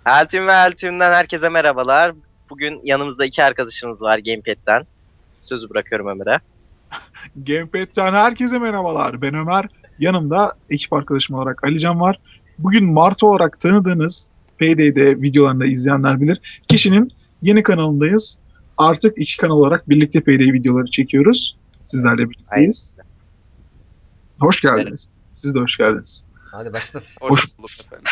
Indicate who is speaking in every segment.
Speaker 1: Altium ve Altium'dan herkese merhabalar. Bugün yanımızda iki arkadaşımız var Gamepad'den. Sözü bırakıyorum Ömer'e.
Speaker 2: Gamepad'den herkese merhabalar. Ben Ömer. Yanımda ekip arkadaşım olarak Alican var. Bugün Mart olarak tanıdığınız Payday'de videolarını izleyenler bilir. Kişinin yeni kanalındayız. Artık iki kanal olarak birlikte Payday videoları çekiyoruz. Sizlerle birlikteyiz. Hoş geldiniz. Siz de hoş geldiniz.
Speaker 3: Hadi başla.
Speaker 2: Hoş-
Speaker 4: bulduk efendim.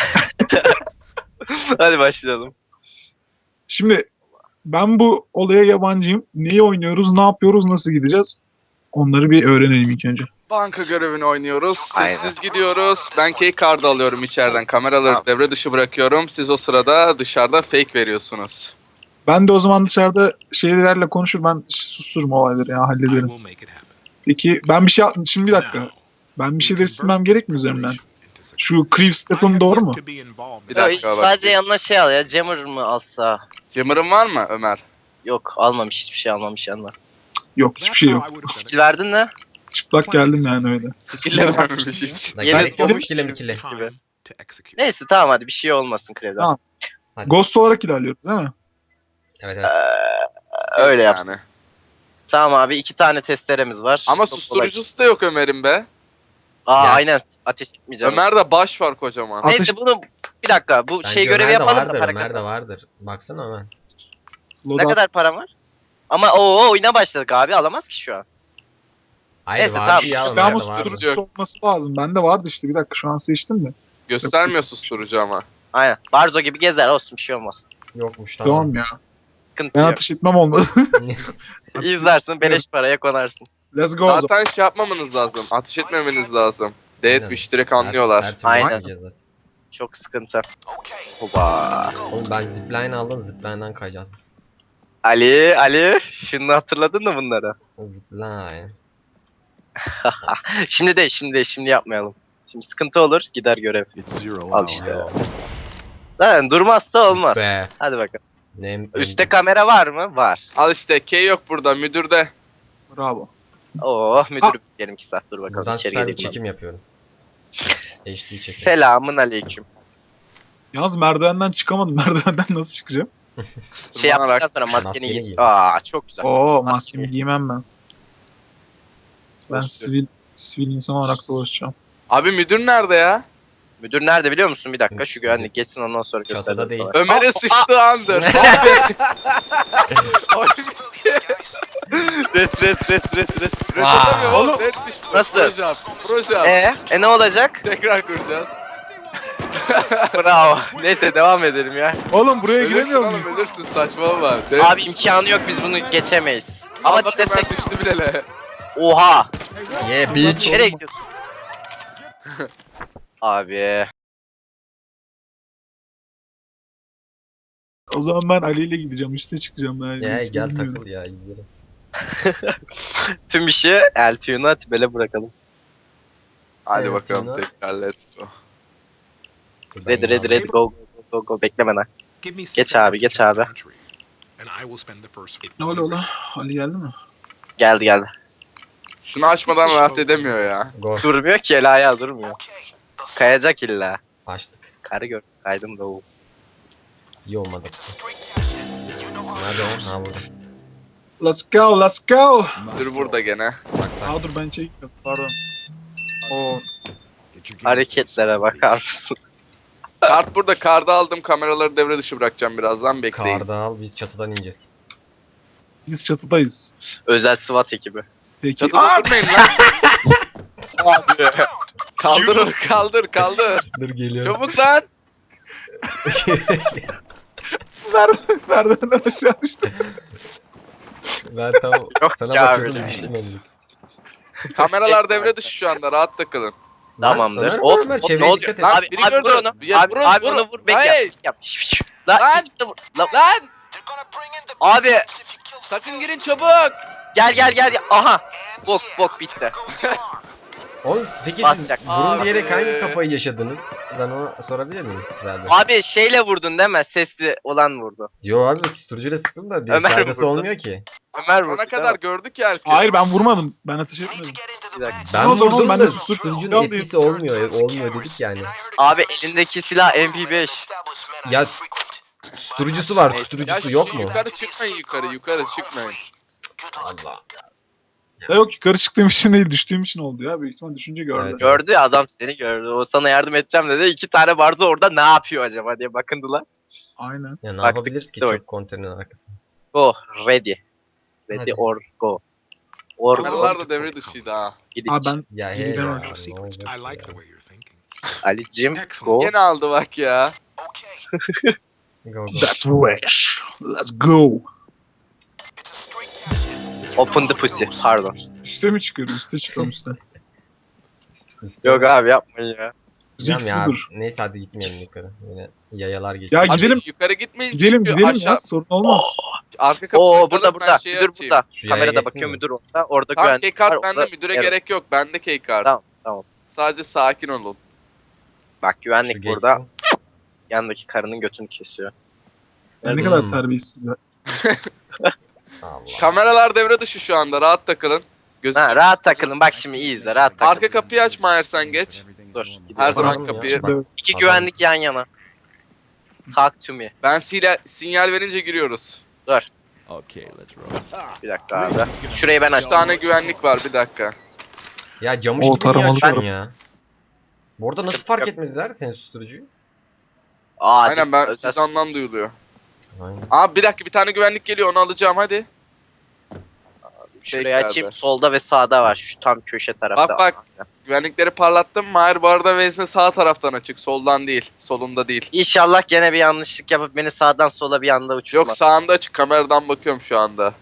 Speaker 1: Hadi başlayalım.
Speaker 2: Şimdi ben bu olaya yabancıyım. Neyi oynuyoruz, ne yapıyoruz, nasıl gideceğiz? Onları bir öğrenelim ilk önce.
Speaker 4: Banka görevini oynuyoruz.
Speaker 1: Aynen.
Speaker 4: Sessiz gidiyoruz. Ben key card'ı alıyorum içeriden. Kameraları
Speaker 1: Tamam.
Speaker 4: devre dışı bırakıyorum. Siz o sırada dışarıda fake veriyorsunuz.
Speaker 2: Ben de o zaman dışarıda şeylerle konuşur, ben sustururum olayları ya, hallederim. Peki ben bir şey şimdi bir dakika. Ben bir şeyleri silmem gerek mi üzerimden? Şu Creep Step'ım doğru mu?
Speaker 4: Bir dakika bak.
Speaker 1: Sadece yanına şey al ya. Jammer mı alsa?
Speaker 4: Jammer'ın var mı Ömer?
Speaker 1: Yok almamış, hiçbir şey almamış yanına.
Speaker 2: Yok, hiçbir şey yok.
Speaker 1: Skill verdin mi?
Speaker 2: Çıplak geldim yani öyle.
Speaker 4: Skill'le vermemiş hiç.
Speaker 3: Lan
Speaker 1: Yemin
Speaker 3: gerek yok
Speaker 1: ederim.
Speaker 3: ikili mikili.
Speaker 1: gibi. Neyse tamam hadi bir şey olmasın Krev'den.
Speaker 2: Tamam. Ghost olarak ilerliyoruz değil mi?
Speaker 3: Evet evet.
Speaker 1: Öyle yapsın. Tamam abi 2 tane testeremiz var.
Speaker 4: Ama
Speaker 1: Çok
Speaker 4: susturucusu da yok Ömer'in be.
Speaker 1: kolay.
Speaker 3: Ya.
Speaker 1: Aynen ateş etmeyeceğim.
Speaker 4: Ömer'de baş var kocaman.
Speaker 2: Ateş-
Speaker 1: Neyse bunu bir dakika bu
Speaker 3: Bence
Speaker 1: şey görevi
Speaker 3: Ömer'de
Speaker 1: yapalım da
Speaker 3: vardır,
Speaker 1: para
Speaker 3: Ömer'de
Speaker 1: kazan.
Speaker 3: vardır. Baksana Ömer.
Speaker 1: Ne
Speaker 2: Loadout.
Speaker 1: kadar param var? Ama oyuna başladık abi alamaz ki şu an.
Speaker 3: Hayır
Speaker 1: Neyse,
Speaker 3: vardı
Speaker 1: tamam.
Speaker 3: ya
Speaker 2: Ama
Speaker 3: Ömer'de vardı.
Speaker 2: susturucusu olması lazım. Bende vardı işte, bir dakika şu an seçtim de.
Speaker 4: Göstermiyor susturucu ama.
Speaker 1: Aynen. Barzo gibi gezer olsun bir şey olmaz.
Speaker 3: Yokmuş
Speaker 2: Tamam
Speaker 3: tamam.
Speaker 2: ya.
Speaker 1: Sıkıntı
Speaker 2: Ben
Speaker 1: yok.
Speaker 2: ateş etmem olmadı.
Speaker 1: İzlersin beleş paraya konarsın.
Speaker 2: Let's go o zaman.
Speaker 4: Zaten şey yapmamanız lazım. Ateş etmemeniz lazım. Deathwish direkt anlıyorlar.
Speaker 3: Her türlü
Speaker 1: Aynen.
Speaker 3: yapmayacağız zaten.
Speaker 1: Çok sıkıntı. Hoba.
Speaker 3: Oğlum ben zipline aldım, zipline'dan kayacağız biz.
Speaker 1: Ali şunu hatırladın mı bunları?
Speaker 3: Zipline.
Speaker 1: Şimdi yapmayalım. Şimdi sıkıntı olur gider görev. Al işte.
Speaker 3: Yo.
Speaker 1: Zaten durmazsa olmaz.
Speaker 3: Be.
Speaker 1: Hadi bakalım.
Speaker 3: Ne,
Speaker 1: Üste kamera var mı? Var.
Speaker 4: Al işte key yok burada müdürde.
Speaker 2: Bravo.
Speaker 1: Oh müdürüm diyelim 2 saat dur bakalım
Speaker 3: buradan
Speaker 1: içeri
Speaker 3: süper bir
Speaker 1: geleyim. ben.
Speaker 3: çekim yapıyorum. HD çekim.
Speaker 1: Selamın aleyküm.
Speaker 2: Yalnız merdivenden çıkamadım. Merdivenden nasıl çıkacağım?
Speaker 1: Şey
Speaker 4: Tırmanarak.
Speaker 1: yaptıktan sonra maskeni
Speaker 3: Maskeni
Speaker 1: giy.
Speaker 3: giy.
Speaker 1: Aa çok güzel.
Speaker 2: Oo,
Speaker 1: Maske.
Speaker 2: maskemi giymem ben. Ben sivil insan olarak dolaşacağım.
Speaker 4: Abi müdür nerede ya?
Speaker 1: Müdür nerede biliyor musun? Bir dakika şu güvenlik geçsin ondan sonra
Speaker 3: Çatıda
Speaker 1: göstereyim
Speaker 3: değil.
Speaker 1: sana.
Speaker 4: Ömer'e sıçtı andır.
Speaker 1: Res.
Speaker 4: Resetlemiyor
Speaker 2: Oğlum.
Speaker 4: oğlum. Deathwish
Speaker 1: Nasıl?
Speaker 4: Proje yap. Proje yap.
Speaker 1: Ne olacak?
Speaker 4: Tekrar kuracağız.
Speaker 1: Bravo. Neyse devam edelim ya.
Speaker 2: Oğlum buraya
Speaker 4: Ölürsün
Speaker 2: giremiyor
Speaker 4: oğlum
Speaker 2: muyum?
Speaker 4: ölürsün saçmalama.
Speaker 1: Abi imkanı yok biz bunu geçemeyiz. Ama
Speaker 4: Ama
Speaker 1: desek
Speaker 4: ben düştü bilele.
Speaker 1: oha.
Speaker 3: Yeah bitch.
Speaker 1: Nereye gidiyorsun? Abi.
Speaker 2: O zaman ben Ali ile gideceğim. Üste çıkacağım ben.
Speaker 3: Ya
Speaker 2: Hiç
Speaker 3: gel
Speaker 2: bilmiyorum.
Speaker 3: takıl ya izleriz.
Speaker 1: Tüm işi Eltuyun'a Tibel'e bırakalım.
Speaker 4: Hadi
Speaker 3: Evet,
Speaker 4: bakalım
Speaker 3: Tuna.
Speaker 4: tekrar let's go.
Speaker 3: Buradan
Speaker 1: Ready
Speaker 3: yine aldım.
Speaker 1: go bekleme. Geç abi, geç abi.
Speaker 2: Ne oluyor lan? Ali geldi mi?
Speaker 1: Geldi.
Speaker 4: Şunu açmadan rahat edemiyor ya.
Speaker 3: Go.
Speaker 1: Durmuyor ki el ayağı durmuyor. Kayacak illa.
Speaker 3: Açtık.
Speaker 1: Karı gör. Kaydım da o.
Speaker 3: İyi olmadı. Nerede o? Ha burada.
Speaker 2: Let's go.
Speaker 4: Müdür burada gene.
Speaker 3: Bak bak.
Speaker 2: Aa dur ben çekmiyorum. Pardon. Oo.
Speaker 1: Hareketlere bakar mısın?
Speaker 4: Kart burada. Kartı aldım. Kameraları devre dışı bırakacağım birazdan. Bekleyin.
Speaker 3: Karda al biz çatıdan ineceğiz.
Speaker 2: Biz çatıdayız.
Speaker 1: Özel SWAT ekibi.
Speaker 2: Peki.
Speaker 4: Çatıda durmayın lan. Kaldır onu kaldır.
Speaker 3: Dur geliyorum.
Speaker 4: Çabuk lan.
Speaker 2: Merdivenden aşağı düştüm.
Speaker 3: Ben tam
Speaker 1: Yok
Speaker 3: sana
Speaker 1: ya
Speaker 3: bakıyordum
Speaker 1: öyle bir
Speaker 3: düştüm
Speaker 1: şey.
Speaker 3: oldum.
Speaker 4: Kameralar devre dışı şu anda. Rahat takılın.
Speaker 1: Tamamdır.
Speaker 3: Ömer,
Speaker 1: Hop,
Speaker 3: Ömer,
Speaker 1: hop,
Speaker 3: çevreye
Speaker 1: ne oluyor?
Speaker 3: dikkat et.
Speaker 4: Lan,
Speaker 1: Abi,
Speaker 4: biri
Speaker 1: abi vur
Speaker 4: gördü.
Speaker 1: onu.
Speaker 4: Ya,
Speaker 1: Abi,
Speaker 4: vurun,
Speaker 1: abi
Speaker 4: vurun.
Speaker 1: onu vur. Bek
Speaker 4: Hayır.
Speaker 1: yap. Lan.
Speaker 4: Lan.
Speaker 1: ikisi de vur. Lan.
Speaker 4: Lan.
Speaker 1: Abi
Speaker 4: Sakın girin çabuk.
Speaker 1: gel. Aha. Bok bitti.
Speaker 3: Oğlum peki siz
Speaker 1: Basacak.
Speaker 3: burun
Speaker 4: Abi.
Speaker 3: diyerek hangi kafayı yaşadınız? Ben onu sorabilir miyim? Herhalde.
Speaker 1: Abi şeyle vurdun değil mi? Sesli olan vurdu.
Speaker 3: Yo abi susturucuyla sıktım da bir
Speaker 1: Ömer
Speaker 3: faydası
Speaker 1: vurdu.
Speaker 3: olmuyor ki.
Speaker 1: Ömer vurdu.
Speaker 4: Ona
Speaker 1: değil
Speaker 4: kadar
Speaker 1: mi?
Speaker 4: gördük ya herkes.
Speaker 2: Hayır ben vurmadım. Ben ateş etmedim.
Speaker 1: Bir dakika.
Speaker 3: Ben
Speaker 2: o zaman
Speaker 3: vurdum
Speaker 2: ben
Speaker 3: da
Speaker 2: de susturucu
Speaker 3: susturucunun
Speaker 2: silah
Speaker 3: etkisi olmuyor dedik yani.
Speaker 1: Abi elindeki silah MP5.
Speaker 3: Ya Susturucusu var.
Speaker 4: Ya
Speaker 3: Susturucusu
Speaker 4: şu
Speaker 3: yok mu?
Speaker 4: yukarı çıkmayın yukarı çıkmayın.
Speaker 3: Allah.
Speaker 2: Ya yok yukarı çıktığım için değil düştüğüm için oldu ya. Büyük ihtimal düşünce gördü.
Speaker 3: Evet.
Speaker 1: Gördü ya, adam seni gördü. O sana yardım edeceğim dedi. 2 tane vardı orada, ne yapıyor acaba diye bakındılar.
Speaker 2: Aynen.
Speaker 3: Ya ne
Speaker 1: Baktık
Speaker 3: yapabiliriz ki
Speaker 1: işte oyun.
Speaker 3: çok konteynerin arkasında?
Speaker 1: Go ready. Ready
Speaker 3: Hadi.
Speaker 1: or go. Or
Speaker 4: Kameralar
Speaker 1: go.
Speaker 4: da devre dışıydı ha.
Speaker 1: Gidip.
Speaker 2: Abi ben
Speaker 3: Ya
Speaker 2: İyi,
Speaker 3: he
Speaker 2: ben
Speaker 3: ya.
Speaker 2: oynuyorum.
Speaker 3: Ne olacak
Speaker 5: I like
Speaker 3: ya?
Speaker 5: the way you're thinking.
Speaker 1: Ali'cim go.
Speaker 4: Yine aldı bak ya.
Speaker 3: Go, go.
Speaker 2: that's wish. Let's go.
Speaker 1: Open the pussy. Pardon.
Speaker 2: Üste mi çıkıyorum? Üste çıkıyorum üste.
Speaker 1: Yok abi yapmayın ya.
Speaker 3: Bilmem
Speaker 2: Risk
Speaker 3: ya.
Speaker 2: budur.
Speaker 3: Neyse hadi gitmeyelim yukarı. Yine yayalar geçiyor.
Speaker 2: Ya
Speaker 4: Abi
Speaker 2: gidelim.
Speaker 4: yukarı gitmeyin
Speaker 2: Gidelim
Speaker 4: çünkü
Speaker 2: gidelim
Speaker 4: aşağı.
Speaker 2: ya sorun olmaz.
Speaker 4: Arka kapıyı
Speaker 1: Oo
Speaker 4: tıkladım,
Speaker 1: burada
Speaker 4: ben
Speaker 1: burada.
Speaker 4: şeyi
Speaker 1: Müdür
Speaker 4: açayım.
Speaker 1: burada.
Speaker 3: Şu yaya
Speaker 1: Kamerada
Speaker 3: geçsin
Speaker 1: bakıyor
Speaker 3: mi?
Speaker 1: müdür orada. Orada
Speaker 4: Tamam
Speaker 1: güvenlik
Speaker 4: keycard
Speaker 1: var.
Speaker 4: bende,
Speaker 1: Orada-
Speaker 4: müdüre
Speaker 1: Evet.
Speaker 4: gerek yok. Bende keycard.
Speaker 1: Tamam tamam.
Speaker 4: Sadece sakin olun.
Speaker 1: Bak
Speaker 3: Şu
Speaker 1: güvenlik
Speaker 3: geçsin.
Speaker 1: burada. Yanındaki karının götünü kesiyor.
Speaker 2: Ne kadar terbiyesizler.
Speaker 3: Allah.
Speaker 4: Kameralar devre dışı şu anda. Rahat takılın.
Speaker 1: Ha, rahat takılın. Bak şimdi iyi izle. Rahat takılın.
Speaker 4: Arka kapıyı aç Mahir sen geç.
Speaker 1: Dur.
Speaker 4: Her
Speaker 1: gidiyorum.
Speaker 4: zaman
Speaker 3: Tamam ya,
Speaker 4: kapıyı.
Speaker 3: bak.
Speaker 1: İki
Speaker 3: Adam-
Speaker 1: güvenlik yan yana. Talk to me.
Speaker 4: Ben sinyal verince giriyoruz.
Speaker 5: Okay, let's roll.
Speaker 1: Bir dakika abi. Şurayı ben
Speaker 4: 3
Speaker 1: açtım.
Speaker 4: tane güvenlik var bir dakika.
Speaker 3: Ya camış
Speaker 2: O
Speaker 3: gibi niye
Speaker 2: taramalı
Speaker 3: açıyorsun
Speaker 2: tarım.
Speaker 3: ya? Bu arada nasıl
Speaker 1: Sıkıntı
Speaker 3: fark
Speaker 1: yok.
Speaker 3: etmediler senin susturucuyu?
Speaker 1: Aa,
Speaker 4: Aynen ben
Speaker 1: özel-
Speaker 4: siz anlam duyuluyor.
Speaker 3: Aynen.
Speaker 4: Abi bir dakika bir tane güvenlik geliyor onu alacağım hadi.
Speaker 1: Şurayı
Speaker 4: Tekrarda.
Speaker 1: açayım. Solda ve sağda var. Şu tam köşe tarafta.
Speaker 4: Bak, bak. Güvenlikleri parlattım. Mahir bu arada vezne sağ taraftan açık. Soldan değil. Solunda değil.
Speaker 1: İnşallah gene bir yanlışlık yapıp beni sağdan sola bir anda uçurma.
Speaker 4: Yok sağında açık. Kameradan bakıyorum şu anda.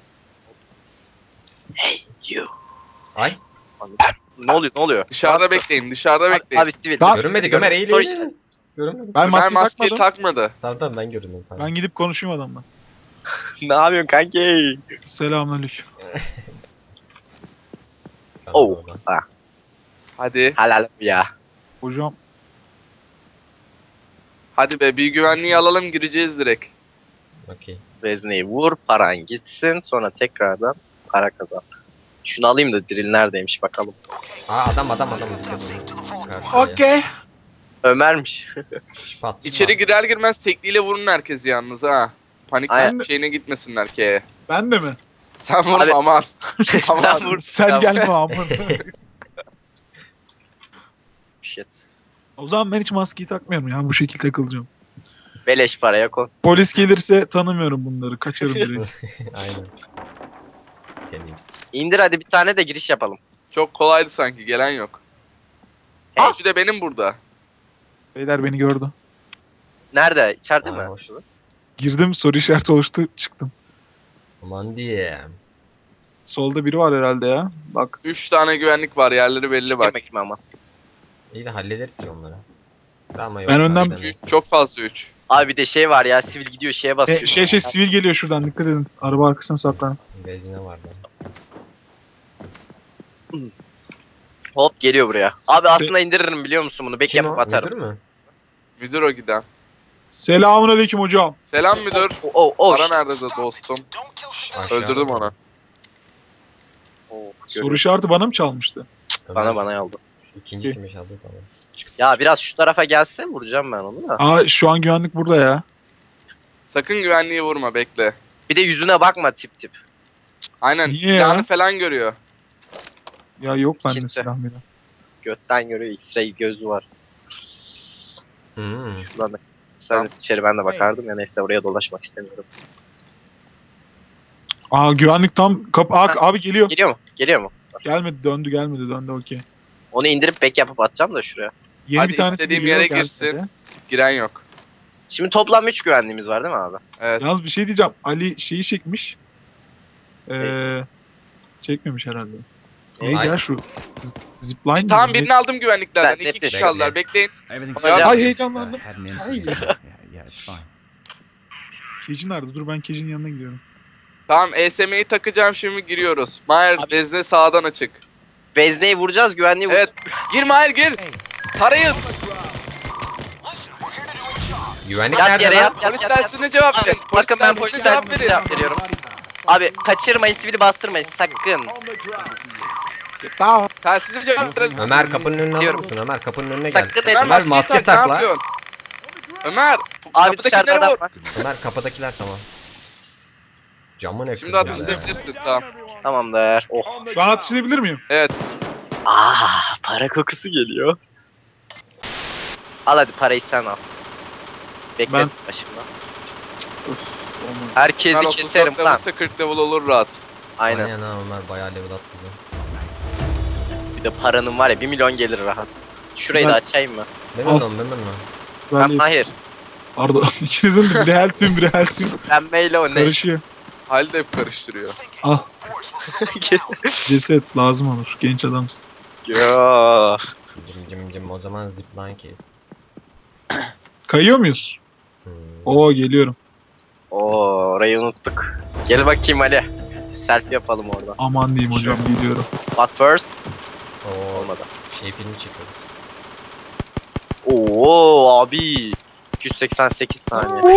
Speaker 1: You.
Speaker 3: Ay.
Speaker 1: Ne oluyor ne oluyor?
Speaker 4: Dışarıda bekleyin. Dışarıda bekleyin.
Speaker 1: Abi sivil.
Speaker 2: Tamam.
Speaker 3: Görünmedi Ömer eğil
Speaker 1: Soy-
Speaker 3: eğil. Görünmedi.
Speaker 2: Ben
Speaker 4: Ömer
Speaker 2: maskeyi
Speaker 4: maskeyi
Speaker 2: takmadım.
Speaker 4: takmadı.
Speaker 3: Tamam ben göründüm. Tamam.
Speaker 2: Ben gidip konuşayım adamla.
Speaker 1: Ne yapıyorsun kanki?
Speaker 2: Selamünaleyküm.
Speaker 3: Tamam,
Speaker 1: Oh.
Speaker 3: oradan.
Speaker 1: Ha,
Speaker 4: Hadi.
Speaker 1: helal ya.
Speaker 2: Hocam
Speaker 4: Hadi be bir güvenliği alalım gireceğiz direkt.
Speaker 3: Okey.
Speaker 1: Vezneyi vur, paran gitsin. Sonra tekrardan para kazan. Şunu alayım da diril neredeymiş bakalım.
Speaker 3: Aa adam. Dikkat edin. Karşıya.
Speaker 2: okey.
Speaker 1: Ömer'miş.
Speaker 3: Pat,
Speaker 4: İçeri
Speaker 3: pat.
Speaker 4: girer girmez tekliyle vurun herkesi yalnız ha. Panik
Speaker 1: Aynen.
Speaker 4: şeyine gitmesinler ki.
Speaker 2: Ben de mi?
Speaker 4: Sen vurma
Speaker 1: Abi-
Speaker 4: aman.
Speaker 1: Sen vur.
Speaker 2: Sen
Speaker 1: Tamam.
Speaker 2: gelme amına.
Speaker 1: Shit.
Speaker 2: O zaman ben hiç maskeyi takmıyorum ya. Bu şekilde takılacağım.
Speaker 1: Beleş paraya kon.
Speaker 2: Polis gelirse tanımıyorum bunları. Kaçarım direkt.
Speaker 3: Aynen. Temiz.
Speaker 1: İndir hadi bir tane de giriş yapalım.
Speaker 4: Çok kolaydı sanki gelen yok.
Speaker 1: Hey.
Speaker 4: Şu de benim burada.
Speaker 2: Beyler beni gördü.
Speaker 1: Nerede? İçeride
Speaker 3: Aa,
Speaker 1: mi?
Speaker 3: hoş.
Speaker 2: Girdim soru işareti oluştu çıktım.
Speaker 3: Aman diye.
Speaker 2: Solda biri var herhalde ya. Bak
Speaker 4: 3 tane güvenlik var yerleri belli bak.
Speaker 1: Yemek mi ama?
Speaker 3: İyi de hallederiz ya onları. Ama yok.
Speaker 2: Ben önden-
Speaker 3: halledemeyiz.
Speaker 4: Çok fazla 3.
Speaker 1: Abi bir de şey var ya, sivil gidiyor şeye basıyor.
Speaker 2: sivil geliyor şuradan dikkat edin. Araba arkasına saklanın.
Speaker 3: Bezine vardı.
Speaker 1: Hop geliyor buraya. Abi
Speaker 2: Se-
Speaker 1: aslında indiririm biliyor musun bunu? Bek
Speaker 3: Kim
Speaker 1: yapıp
Speaker 3: o?
Speaker 1: atarım.
Speaker 3: Müdür mü?
Speaker 4: Müdür o giden.
Speaker 2: Selamünaleyküm hocam.
Speaker 4: Selam müdür.
Speaker 1: Oh,
Speaker 4: Para nerede de dostum?
Speaker 3: Aşağı.
Speaker 4: Öldürdüm onu.
Speaker 2: Soru işareti bana mı çalmıştı?
Speaker 3: Ömer,
Speaker 1: Bana aldı.
Speaker 3: İkinci kim aldı tamam.
Speaker 1: Ya biraz şu tarafa gelse vuracağım ben onu da.
Speaker 2: Aa şu an güvenlik burada ya.
Speaker 4: Sakın güvenliği vurma bekle.
Speaker 1: Bir de yüzüne bakma tip.
Speaker 4: Aynen
Speaker 2: Niye
Speaker 4: silahını
Speaker 2: ya?
Speaker 4: falan görüyor.
Speaker 2: Ya yok bende
Speaker 1: Kimse.
Speaker 2: silah bile.
Speaker 1: Götten görüyor, X-ray gözü var.
Speaker 3: Hmm.
Speaker 1: Şuradan da sen içeri ben de bakardım ya, neyse oraya dolaşmak istemiyorum.
Speaker 2: Aa güvenlik tam kapı. Abi geliyor.
Speaker 1: Geliyor mu?
Speaker 2: Gelmedi döndü okey.
Speaker 1: Onu indirip bek yapıp atacağım da şuraya.
Speaker 2: Yeni
Speaker 4: Hadi
Speaker 2: bir tanesi
Speaker 4: istediğim
Speaker 2: geliyor,
Speaker 4: yere
Speaker 2: gelmedi.
Speaker 4: girsin. Giren yok.
Speaker 1: Şimdi toplam 3 güvenliğimiz var değil mi abi?
Speaker 4: Evet.
Speaker 2: Yalnız bir şey diyeceğim. Ali şeyi çekmiş. Çekmemiş herhalde.
Speaker 1: Ay.
Speaker 2: Gel şu zipline
Speaker 4: Tamam
Speaker 2: mi?
Speaker 4: birini aldım güvenliklerden.
Speaker 1: Ben
Speaker 4: 2 kişi
Speaker 3: bekle.
Speaker 4: kaldılar. Bekleyin.
Speaker 5: Everything's
Speaker 1: Hocam-
Speaker 5: fine.
Speaker 2: Ay heyecanlandım.
Speaker 5: Had an
Speaker 2: Ay.
Speaker 5: incident. Yeah, it's fine.
Speaker 2: Keci nerede? Dur ben Keci'nin yanına gidiyorum.
Speaker 4: Tamam ESM'yi takacağım şimdi giriyoruz. Mahir vezne sağdan açık.
Speaker 1: Vezneyi vuracağız, güvenliği
Speaker 4: Evet. Gir Mahir gir. Tarayın.
Speaker 3: Güvenlik
Speaker 1: Yat
Speaker 3: nerede
Speaker 1: yere
Speaker 3: lan?
Speaker 1: yat.
Speaker 4: Polis dersine cevap
Speaker 1: Abi,
Speaker 4: verin.
Speaker 1: bakın ben
Speaker 4: dersine
Speaker 1: polis dersine cevap veriyorum. Abi kaçırmayın, sivili bastırmayın sakın.
Speaker 2: Tamam.
Speaker 4: Telsize cevap verin.
Speaker 3: Ömer kapının önüne alır
Speaker 1: Diyorum.
Speaker 3: mısın? Ömer kapının önüne gel.
Speaker 1: Sakın
Speaker 4: Ömer
Speaker 1: etme.
Speaker 3: Ömer
Speaker 4: maskeyi
Speaker 3: maske
Speaker 4: tak ne
Speaker 3: tak lan.
Speaker 4: yapıyorsun? Ömer
Speaker 1: Abi dışarıda
Speaker 4: Kapıdakilere
Speaker 1: adam
Speaker 4: vur.
Speaker 1: var.
Speaker 3: Ömer kapıdakiler tamam. Camı ne
Speaker 4: Şimdi
Speaker 3: kırdın
Speaker 4: ateş
Speaker 3: be?
Speaker 4: edebilirsin. Tamam.
Speaker 1: Tamamdır. Oh.
Speaker 2: Şu an atış edebilir miyim?
Speaker 4: Evet.
Speaker 1: Para kokusu geliyor. Al hadi parayı sen al. Bekle
Speaker 2: Ben-
Speaker 1: başımda.
Speaker 2: Olmaz.
Speaker 1: Herkesi
Speaker 4: Bunlar
Speaker 1: keserim
Speaker 4: 34
Speaker 1: lan.
Speaker 4: level'sa 40 level olur rahat.
Speaker 1: Aynen.
Speaker 3: Aynen ha Ömer bayağı level atladı.
Speaker 1: Bir de paranın var ya 1 milyon gelir rahat. Şurayı da
Speaker 2: Ben-
Speaker 1: açayım mı?
Speaker 3: Memnun olun memnun olun.
Speaker 2: Ben de-
Speaker 1: Hayır.
Speaker 2: Pardon. İkinizin de biri heltüm biri heltüm.
Speaker 1: Pembeyle o ne?
Speaker 2: Karışıyor.
Speaker 4: Halil de hep karıştırıyor.
Speaker 2: Al. Ceset lazım olur. Genç adamsın.
Speaker 1: Yo.
Speaker 3: Cim o zaman zipline ki.
Speaker 2: Kayıyor muyuz?
Speaker 3: Hmm.
Speaker 2: Oo geliyorum.
Speaker 1: Oo, orayı unuttuk. Gel bakayım Ali. Selfie yapalım orada.
Speaker 2: Aman diyeyim hocam geliyorum.
Speaker 1: But first
Speaker 3: Oo,
Speaker 1: olmadı.
Speaker 3: şey filmi çekiyoruz.
Speaker 1: Oo abi. 288 saniye.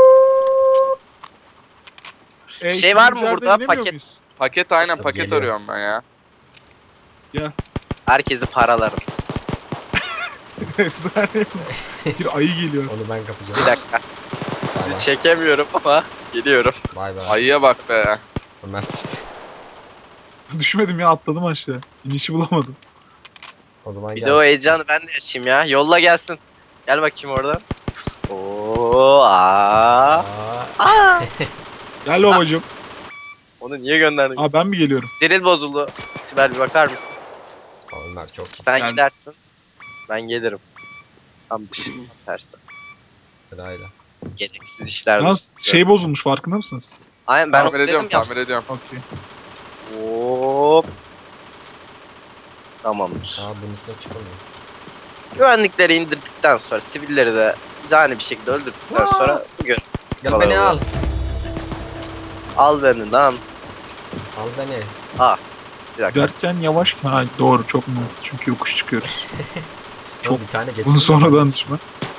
Speaker 1: Şey var mı
Speaker 2: ikimiz
Speaker 1: burada?
Speaker 2: yerde inemiyor
Speaker 1: Paket-
Speaker 2: muyuz?
Speaker 4: Paket aynen
Speaker 3: Tabii
Speaker 4: paket
Speaker 3: geliyor.
Speaker 4: arıyorum ben ya.
Speaker 1: Herkesi paralarım.
Speaker 2: Efsane. Bir ayı geliyor.
Speaker 3: Onu ben kapacağım.
Speaker 1: Bir dakika.
Speaker 3: Bay
Speaker 1: Sizi
Speaker 3: bay.
Speaker 1: çekemiyorum ama geliyorum.
Speaker 3: Bay bay.
Speaker 4: Ayıya bak be.
Speaker 3: Ömer
Speaker 2: Düşmedim ya atladım aşağı. İnişi bulamadım.
Speaker 3: o zaman
Speaker 1: Bir
Speaker 3: gel.
Speaker 1: de o heyecanı ben de yaşayayım ya. Yolla gelsin. Gel bakayım oradan. Oo, aa. Aa.
Speaker 2: Gel babacım.
Speaker 1: Onu niye gönderdin?
Speaker 2: Aa ben mi geliyorum?
Speaker 1: Diril bozuldu. Sibel bir bakar mısın?
Speaker 3: Ömer çok iyi.
Speaker 1: Sen
Speaker 2: Geldim.
Speaker 1: gidersin. Ben gelirim. Tam dışını tersi.
Speaker 3: Sırayla.
Speaker 1: Gereksiz işler.
Speaker 2: Yalnız şey bozulmuş farkında mısınız?
Speaker 1: Aynen ben
Speaker 4: Tamir ediyorum
Speaker 1: ya.
Speaker 4: tamir ediyorum.
Speaker 2: Okey.
Speaker 1: Hop. Tamamdır.
Speaker 3: Aa bunun üstüne çıkamıyor.
Speaker 1: Güvenlikleri indirdikten sonra sivilleri de cani bir şekilde öldürdükten sonra gör.
Speaker 3: Gel
Speaker 1: Kolay
Speaker 3: beni
Speaker 1: oluyor.
Speaker 3: al.
Speaker 1: Al beni lan.
Speaker 3: Al beni.
Speaker 1: Bir dakika.
Speaker 2: Derken yavaş. Ha doğru çok mantıklı çünkü yokuş çıkıyoruz. Çok-
Speaker 3: Çok bir tane getir.
Speaker 2: Bunu sonradan düşme.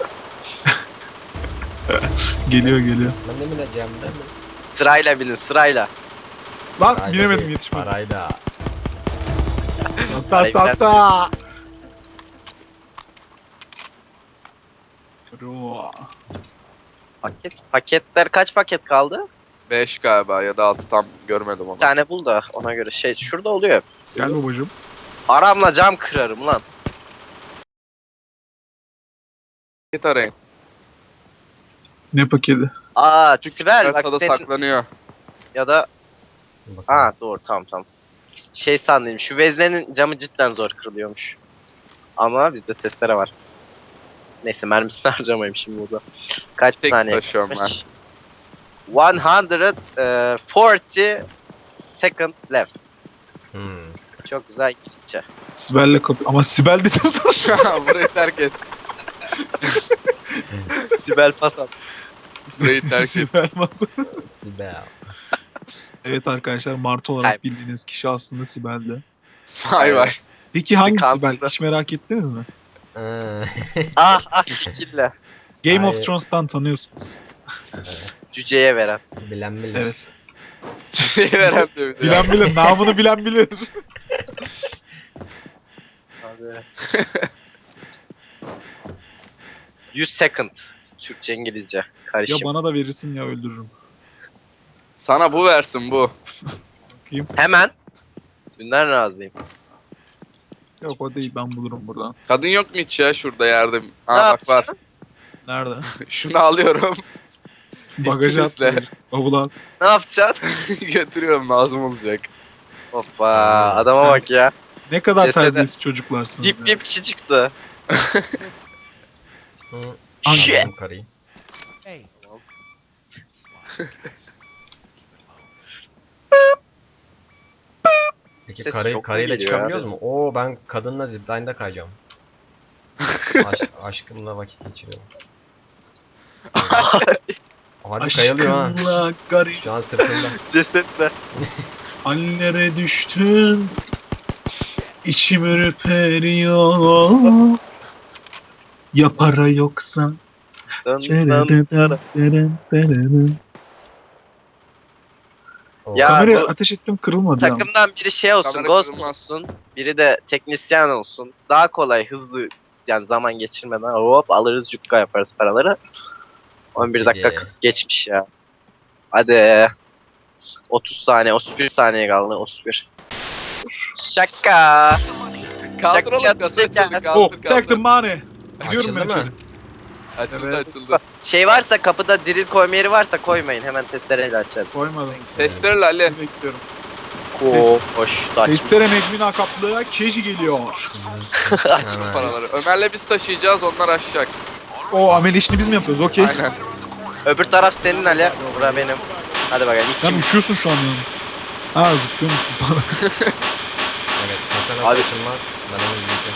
Speaker 2: Geliyor geliyor.
Speaker 3: Ben de bineceğim değil mi?
Speaker 1: Sırayla binin sırayla.
Speaker 2: Lan
Speaker 3: Parayla
Speaker 2: binemedim
Speaker 3: değil,
Speaker 2: yetişmedim.
Speaker 3: Parayla.
Speaker 2: Ta ta ta. Bro.
Speaker 1: Paketler kaç paket kaldı?
Speaker 4: 5 galiba ya da 6 tam görmedim onu.
Speaker 1: Bir tane bul da ona göre şey şurada oluyor.
Speaker 2: Gel babacım.
Speaker 1: Aramla cam kırarım lan.
Speaker 4: Paket arayın.
Speaker 2: Ne paketi?
Speaker 1: Çünkü Sibel bak
Speaker 4: Haritada
Speaker 1: senin
Speaker 4: saklanıyor.
Speaker 1: ya da
Speaker 3: Bakalım.
Speaker 1: doğru tamam. Şey sandım şu veznenin camı cidden zor kırılıyormuş. Ama bizde testere var. Neyse mermisini harcamayayım şimdi burada. Kaç
Speaker 4: Tek
Speaker 1: saniye?
Speaker 4: taşıyorum ben.
Speaker 1: kalmış? 140 second left.
Speaker 3: Hmm.
Speaker 1: Çok güzel gidecek.
Speaker 2: Sibel'le kapı. Ama Sibel dedim sana.
Speaker 4: Burayı terk et.
Speaker 1: Sibel pas at.
Speaker 4: Burayı terk et.
Speaker 2: Sibel masa.
Speaker 3: Sibel.
Speaker 2: Evet arkadaşlar Martı olarak
Speaker 1: Hayır.
Speaker 2: bildiğiniz kişi aslında Sibel'di.
Speaker 4: Vay vay.
Speaker 2: Peki hangi
Speaker 1: Kandırdı.
Speaker 2: Sibel? Hiç merak ettiniz mi?
Speaker 1: Fikirle.
Speaker 2: Game of
Speaker 3: Hayır.
Speaker 2: Thrones'tan tanıyorsunuz.
Speaker 1: Cüceye veren.
Speaker 3: Bilen bilir.
Speaker 2: Evet.
Speaker 4: Şey veren de bir de.
Speaker 2: Bilen bilir. Namını bilen bilir.
Speaker 1: Abi. 100 second. Türkçe İngilizce.
Speaker 2: Ya
Speaker 1: Karışım.
Speaker 2: bana da verirsin ya öldürürüm.
Speaker 4: Sana bu versin bu.
Speaker 1: Hemen. Dünden razıyım.
Speaker 2: Yok o değil ben bulurum buradan.
Speaker 4: Kadın yok mu hiç ya şurada yerde?
Speaker 1: Ne
Speaker 4: Ha bak var.
Speaker 1: yapacaksın?
Speaker 2: Nerede?
Speaker 4: Şunu alıyorum.
Speaker 2: Bagaja
Speaker 4: İstinizle.
Speaker 2: atlayır. Bavula at.
Speaker 1: Ne yapacaksın?
Speaker 4: Götürüyorum lazım olacak.
Speaker 1: Hoppa adama bak ya.
Speaker 2: Ne kadar
Speaker 1: Cesede-
Speaker 2: terbiyesiz çocuklarsınız
Speaker 1: Dip
Speaker 2: ya.
Speaker 1: dip kişi çıktı.
Speaker 3: Hı.
Speaker 1: Shit.
Speaker 3: Anladım karıyı.
Speaker 5: Hey.
Speaker 3: Peki
Speaker 1: Ses
Speaker 3: karı,
Speaker 1: çok mu
Speaker 3: karıyla
Speaker 1: geliyor
Speaker 3: çıkabiliyoruz
Speaker 1: abi?
Speaker 3: mu? Oo ben kadınla zipline'da kayacağım. Aşkımla vakit geçiriyorum. Harbi kayılıyor ha.
Speaker 2: Aşkınla garip
Speaker 3: Şu an sırtımda.
Speaker 1: Cesetle.
Speaker 2: hallere düştüm. İçim ürperiyor. Ya para yoksa.
Speaker 1: Dın dın dın.
Speaker 3: Oo.
Speaker 1: Ya
Speaker 2: Kameraya
Speaker 1: bu
Speaker 2: ateş ettim kırılmadı ya.
Speaker 1: takımdan biri şey olsun,
Speaker 4: Kamera
Speaker 1: ghost
Speaker 4: kırılmaz.
Speaker 1: olsun. Biri de teknisyen olsun. Daha kolay, hızlı yani zaman geçirmeden hop alırız cukka yaparız paraları. 11 dakika
Speaker 3: Peki.
Speaker 1: 40 geçmiş ya. Hadi. 30 saniye, 31 saniye kaldı. 31. Şaka.
Speaker 4: Kaldır oğlum
Speaker 1: Şaka,
Speaker 4: kasayı
Speaker 1: şaka.
Speaker 4: kaldır
Speaker 2: Oh,
Speaker 4: kaldır.
Speaker 2: take the money. Gidiyorum ben
Speaker 3: Açıldı mı?
Speaker 2: içeri.
Speaker 4: Açıldı
Speaker 2: Evet.
Speaker 4: açıldı.
Speaker 1: Şey varsa kapıda drill koyma yeri varsa koymayın. Hemen testereyle açarız.
Speaker 2: Koymadım.
Speaker 4: Testereyle Ali.
Speaker 2: Sizi bekliyorum.
Speaker 1: Hoş. Açmış.
Speaker 2: Testere Necmin Akaplı'ya keji geliyor.
Speaker 1: Aç.
Speaker 3: Hemen.
Speaker 4: Paraları. Ömer'le biz taşıyacağız onlar aşacak.
Speaker 2: O amel işini biz mi yapıyoruz? Okey.
Speaker 4: Aynen.
Speaker 1: Öbür taraf senin Ali. Bura benim. Hadi bakalım. İlk
Speaker 2: Sen
Speaker 1: kim?
Speaker 2: uçuyorsun şu an yalnız. Ha zıplıyor musun?
Speaker 3: Evet. Kasa nasıl
Speaker 1: Abi-
Speaker 3: açılmaz? Ben onu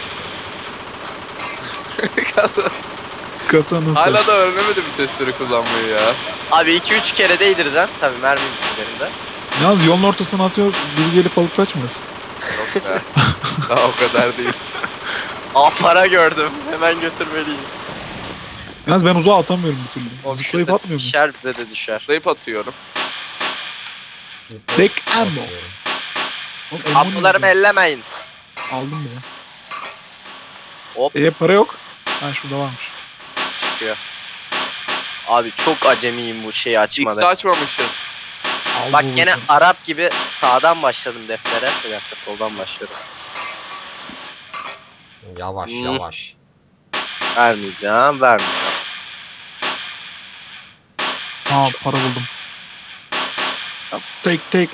Speaker 3: büyütmek
Speaker 2: Kasa nasıl?
Speaker 4: Hala da öğrenemedi bir testere kullanmayı ya.
Speaker 1: Abi 2-3 kere değdiririz ha. Tabii mermi üzerinde.
Speaker 2: Yalnız yolun ortasına atıyoruz. Biri gelip alıp kaçmasın.
Speaker 4: Yok be. Daha o kadar değil.
Speaker 1: Aa para gördüm. Hemen götürmeliyim.
Speaker 2: Yalnız ben uzağa atamıyorum bir türlü.
Speaker 1: O
Speaker 2: Zıplayıp
Speaker 1: şurada
Speaker 2: atmıyor muyum?
Speaker 1: Düşer bize de düşer.
Speaker 4: Zayıf atıyorum.
Speaker 2: Tek ammo. Oğlum, ammo
Speaker 1: Ablalarımı
Speaker 2: ne?
Speaker 1: ellemeyin.
Speaker 2: Aldım bile.
Speaker 1: Hop
Speaker 2: Para yok. Ha şurada varmış.
Speaker 1: çıkıyor. Abi çok acemiyim bu şeyi
Speaker 4: X'i
Speaker 1: açmada.
Speaker 4: açmamışsın.
Speaker 2: Aldı
Speaker 1: Bak
Speaker 2: o
Speaker 1: gene
Speaker 2: bakın.
Speaker 1: Arap gibi sağdan başladım deftere. Bir dakika soldan başlıyorum.
Speaker 3: Yavaş
Speaker 1: Hmm.
Speaker 3: yavaş.
Speaker 1: Vermeyeceğim.
Speaker 2: Ha para buldum. Take.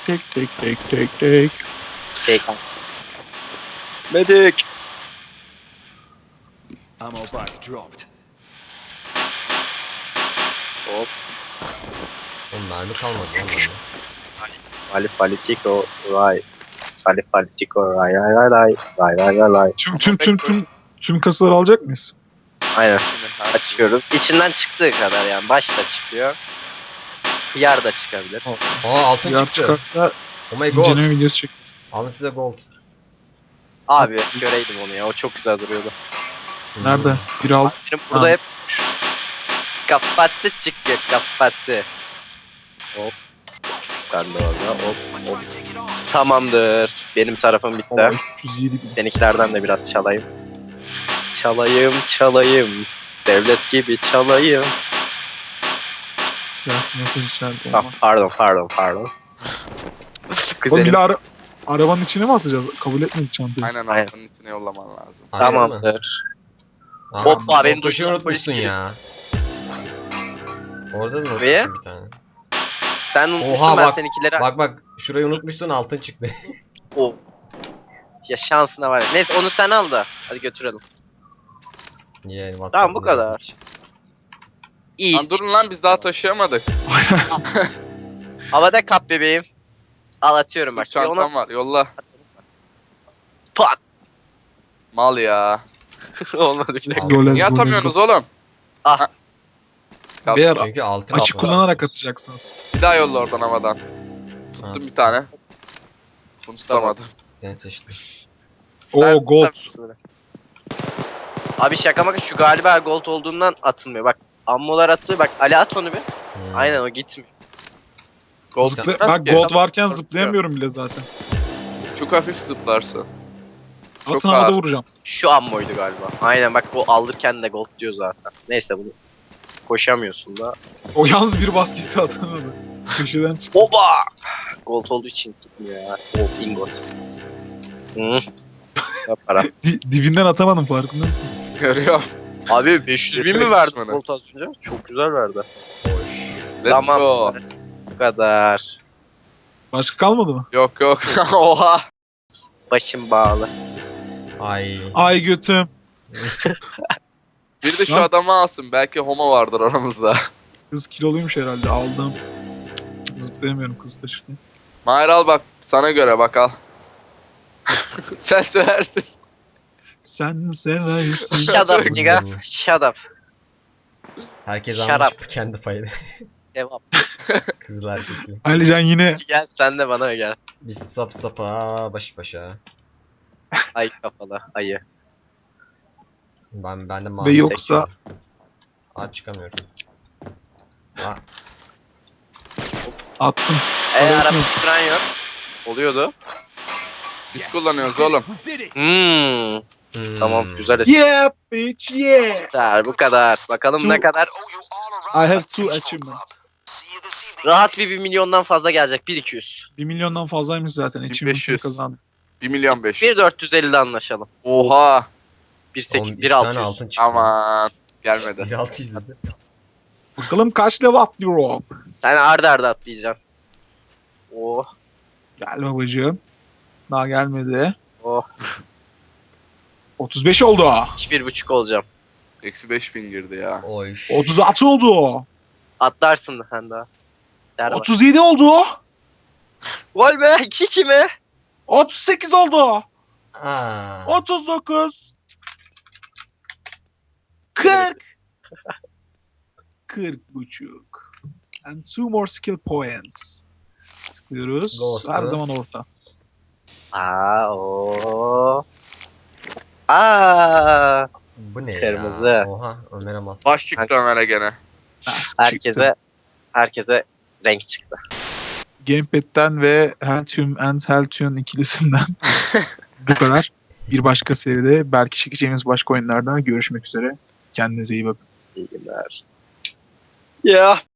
Speaker 1: Tek. Medik.
Speaker 5: Ammo box dropped.
Speaker 1: Hop.
Speaker 3: Oğlum mermi kalmadı lan bende.
Speaker 1: Salifalitiko ray. Salifalitiko ray ray.
Speaker 2: Tüm kasaları alacak mıyız?
Speaker 1: Aynen.
Speaker 4: Şimdi
Speaker 1: Açıyoruz. İçinden çıktığı kadar yani. Başta çıkıyor. Hıyar da çıkabilir.
Speaker 3: Aa altın
Speaker 2: Yar
Speaker 3: çıktı.
Speaker 2: çıkarsa
Speaker 3: Oh my god.
Speaker 2: inceleme videosu çekeriz.
Speaker 3: Alın size gold.
Speaker 1: Abi göreydim onu ya. O çok güzel duruyordu.
Speaker 2: Nerede? Biri aldı.
Speaker 1: Benim burada
Speaker 2: Ha.
Speaker 1: hep kapattı çıkıyor kapattı. Hop. Ben de orada hop. Tamamdır. Benim tarafım bitti.
Speaker 2: Vallahi 307 bin.
Speaker 1: Seninkilerden de biraz çalayım. Çalayım. Devlet gibi çalayım.
Speaker 2: Siyasi mesaj içeride
Speaker 1: Ah,
Speaker 2: olmaz.
Speaker 1: pardon.
Speaker 2: Oğlum
Speaker 1: Kuzenim.
Speaker 2: bir de arabanın içine mi atacağız? Kabul etmedik çantayı.
Speaker 4: Aynen
Speaker 1: Aynen.
Speaker 4: altının içine yollaman lazım.
Speaker 3: Aynen mi?
Speaker 1: Tamamdır.
Speaker 3: Aa,
Speaker 1: Hoppa, beni
Speaker 3: koşu
Speaker 1: duydun,
Speaker 3: unutmuşsun
Speaker 1: polis
Speaker 3: ya. Orada da
Speaker 1: Ve?
Speaker 3: unutmuşsun bir tane.
Speaker 1: Sen unutmuşsun
Speaker 3: Oha,
Speaker 1: ben
Speaker 3: bak.
Speaker 1: seninkileri.
Speaker 3: Bak şurayı unutmuşsun altın çıktı.
Speaker 1: O. Ya şansına var ya. Neyse onu sen al da. Hadi götürelim.
Speaker 3: Yani
Speaker 1: Tamam, bu kadar. İyi.
Speaker 4: Lan durun lan biz daha taşıyamadık.
Speaker 1: Havada kap bebeğim. Al atıyorum
Speaker 4: Dur
Speaker 1: bak.
Speaker 4: çantam var yolla.
Speaker 1: Pat.
Speaker 4: Mal ya.
Speaker 1: Olmadı ki.
Speaker 2: Let's go, let's
Speaker 4: Niye
Speaker 2: go, let's
Speaker 4: atamıyorsunuz
Speaker 2: go.
Speaker 4: oğlum?
Speaker 1: Ah.
Speaker 4: Ha. Kalk,
Speaker 2: Beyler
Speaker 3: Çünkü altın
Speaker 2: açık
Speaker 3: kaplı.
Speaker 2: kullanarak atacaksınız.
Speaker 4: bir daha yolla oradan havadan.
Speaker 3: Ha,
Speaker 4: Tuttum bir tane. Bunu tutamadım.
Speaker 3: sen seçtin.
Speaker 2: Oo gold.
Speaker 1: Abi şaka maka şu galiba gold olduğundan atılmıyor. Bak ammolar atıyor. Bak Ali at onu bir.
Speaker 3: Hmm.
Speaker 1: Aynen o gitmiyor. Gold
Speaker 2: Zıpla-
Speaker 4: Nasıl
Speaker 2: bak
Speaker 4: ki?
Speaker 2: gold varken
Speaker 1: Tamam.
Speaker 2: zıplayamıyorum bile zaten.
Speaker 4: Çok hafif zıplarsın. Çok
Speaker 2: Atın havada
Speaker 4: ağır.
Speaker 2: vuracağım.
Speaker 1: şu ammoydu galiba. Aynen bak o alırken de gold diyor zaten. Neyse bunu koşamıyorsun da.
Speaker 2: O yalnız bir basketi atamadı. Köşeden çıktı.
Speaker 1: Oba! Gold olduğu için tutmuyor ya. Gold ingot. Hı. Ne para.
Speaker 2: Dibinden atamadım farkında mısın?
Speaker 4: Görüyorum.
Speaker 1: Abi 500 bin mi
Speaker 4: Yetenek
Speaker 1: verdi
Speaker 4: düşmanı.
Speaker 1: gold az önce? Çok güzel verdi.
Speaker 4: Let's
Speaker 1: Tamam.
Speaker 4: go.
Speaker 1: Bu kadar.
Speaker 2: Başka kalmadı mı?
Speaker 4: Yok. Oha.
Speaker 1: Başım bağlı.
Speaker 3: Ay.
Speaker 2: Ay götüm.
Speaker 4: Bir de şu
Speaker 2: Nasıl?
Speaker 4: adamı alsın. Belki homo vardır aramızda.
Speaker 2: Kız kiloluymuş herhalde aldım. Zıplayamıyorum kız taşırken.
Speaker 4: Mahir al bak. Sana göre bak al. Sen seversin.
Speaker 2: Sen seversin.
Speaker 1: Shut up nigga. Shut up.
Speaker 3: Herkes
Speaker 1: Shut
Speaker 3: almış
Speaker 1: up.
Speaker 3: kendi payını.
Speaker 1: Sevap.
Speaker 3: Kızlar erkekli.
Speaker 2: Alican yine
Speaker 1: Gel sen de bana gel.
Speaker 3: Biz sapa baş başa.
Speaker 1: Ay kafalı ayı.
Speaker 3: Ben de
Speaker 2: ve
Speaker 3: mavi
Speaker 2: yoksa
Speaker 3: Aa çıkamıyorum. Aa,
Speaker 2: attım.
Speaker 1: Araba
Speaker 2: yok.
Speaker 1: süren yok. Oluyordu.
Speaker 4: Biz kullanıyoruz oğlum.
Speaker 5: We did it!
Speaker 3: hmm.
Speaker 1: Tamam güzel
Speaker 2: Yeah bitch yeah.
Speaker 1: eser. Bu kadar. Bakalım ne
Speaker 2: Çok-
Speaker 1: kadar.
Speaker 2: I have two achievement.
Speaker 1: Rahat bir 1 milyondan fazla gelecek. 1-200.
Speaker 2: 1 milyondan fazlaymış zaten. Achievement'ını
Speaker 4: 1500.
Speaker 2: kazandık.
Speaker 4: 1 milyon 500.
Speaker 1: 1.450'de anlaşalım.
Speaker 4: Oha.
Speaker 1: 1.8,
Speaker 3: 2 tane
Speaker 1: 1.600.
Speaker 3: altın çıktı.
Speaker 4: Aman. Gelmedi.
Speaker 3: 1.600 dedi.
Speaker 2: Bakalım kaç level atlıyor o.
Speaker 1: Sen arda arda atlayacaksın. Oh.
Speaker 2: Gel babacığım. Daha gelmedi.
Speaker 1: Oh.
Speaker 2: 35 oldu.
Speaker 1: 1.5 olacağım.
Speaker 4: Eksi 5000 girdi ya.
Speaker 3: Oy.
Speaker 2: 36 oldu.
Speaker 1: Atlarsın sen daha. Der var.
Speaker 2: 37 oldu.
Speaker 1: Gol be 2-2 mi?
Speaker 2: 38 oldu.
Speaker 3: Aa.
Speaker 2: 39. 40. 40 buçuk. And two more skill points. Tıklıyoruz.
Speaker 3: Orta.
Speaker 2: Her zaman orta.
Speaker 1: O. Aa.
Speaker 3: Bu ne
Speaker 1: Kırmızı.
Speaker 3: ya? Oha Ömer'e bas.
Speaker 4: Baş çıktı Ömer'e gene.
Speaker 1: Herkese renk çıktı.
Speaker 2: Gamepad'den ve Heltium and Heltium ikilisinden bu kadar. Bir başka seride belki çekeceğimiz başka oyunlarda görüşmek üzere. Kendinize iyi bakın.
Speaker 1: İyi günler. Ya